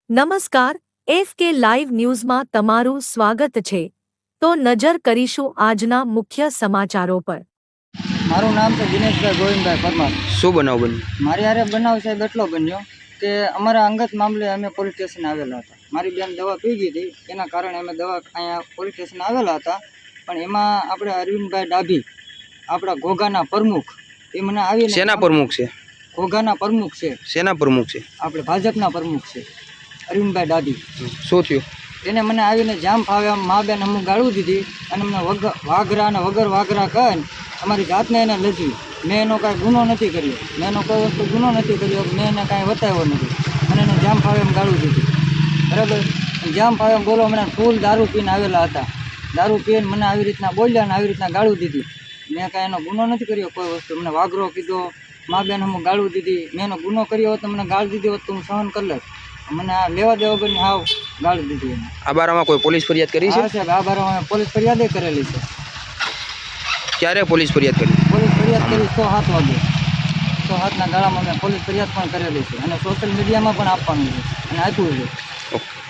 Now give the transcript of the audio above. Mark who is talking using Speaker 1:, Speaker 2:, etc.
Speaker 1: નમસ્કાર, FK live ન્યૂઝમાં તમારું સ્વાગત છે. તો નજર કરીશું આજના મુખ્ય સમાચારો પર.
Speaker 2: મારું નામ છે દિનેશભાઈ ગોવિંદભાઈ પરમાર.
Speaker 3: શું બનાવ બન્યો?
Speaker 2: મારી હારે બનાવ સાહેબ એટલો બન્યો કે અમારા અંગત મામલે અમે પોલીસ સ્ટેશન આવેલા હતા. મારી બેન દવા પી ગઈ હતી, એના કારણે અમે દવા અહીંયા પોલીસ સ્ટેશન આવેલા હતા. પણ એમાં આપણે અરવિંદભાઈ ડાભી, આપણા ઘોઘાના પ્રમુખ, એ મને આવીને
Speaker 3: સેના પ્રમુખ છે?
Speaker 2: ઘોઘાના પ્રમુખ છે.
Speaker 3: સેના પ્રમુખ છે?
Speaker 2: આપણે ભાજપના પ્રમુખ છે, અરવિંદભાઈ ડાભી.
Speaker 3: શું થયું?
Speaker 2: એને મને આવીને જામ ફાવે મા બેન અમુક ગાળું દીધી અને અમને વાઘરા અને વગર વાઘરા કહીને અમારી જાતને એને લજી. મેં એનો કાંઈ ગુનો નથી કર્યો, મેં એનો કોઈ વસ્તુ ગુનો નથી કર્યો, મેં એને કાંઈ બતાવ્યો નથી અને એને જામ ફાવે એમ ગાળું દીધી. બરાબર, જામ ફાવે એમ બોલો, મને ફૂલ દારૂ પીને આવેલા હતા. દારૂ પીને મને આવી રીતના બોલ્યા અને આવી રીતના ગાળું દીધી. મેં કાંઈ એનો ગુનો નથી કર્યો કોઈ વસ્તુ. મને વાઘરો કીધો, મા બેન અમુક ગાળું દીધી. મેં એનો ગુનો કર્યો હોત તો મને ગાળ દીધી હોત તો હું સહન કરી લત. મને આ લેવા દેવા વગરની હાવ ગાળી દીધી એને.
Speaker 3: આ બારામાં કોઈ પોલીસ ફરિયાદ કરી છે?
Speaker 2: હા સાહેબ, આ બારામાં પોલીસ ફરિયાદ કરેલી છે.
Speaker 3: ક્યારે પોલીસ ફરિયાદ કરી?
Speaker 2: પોલીસ ફરિયાદ કરી 107 વાગે, 107ના ગાળામાં મેં પોલીસ ફરિયાદ પણ કરેલી છે અને સોશિયલ મીડિયામાં પણ આપવાનું છે અને આપ્યું છે.
Speaker 3: ઓકે.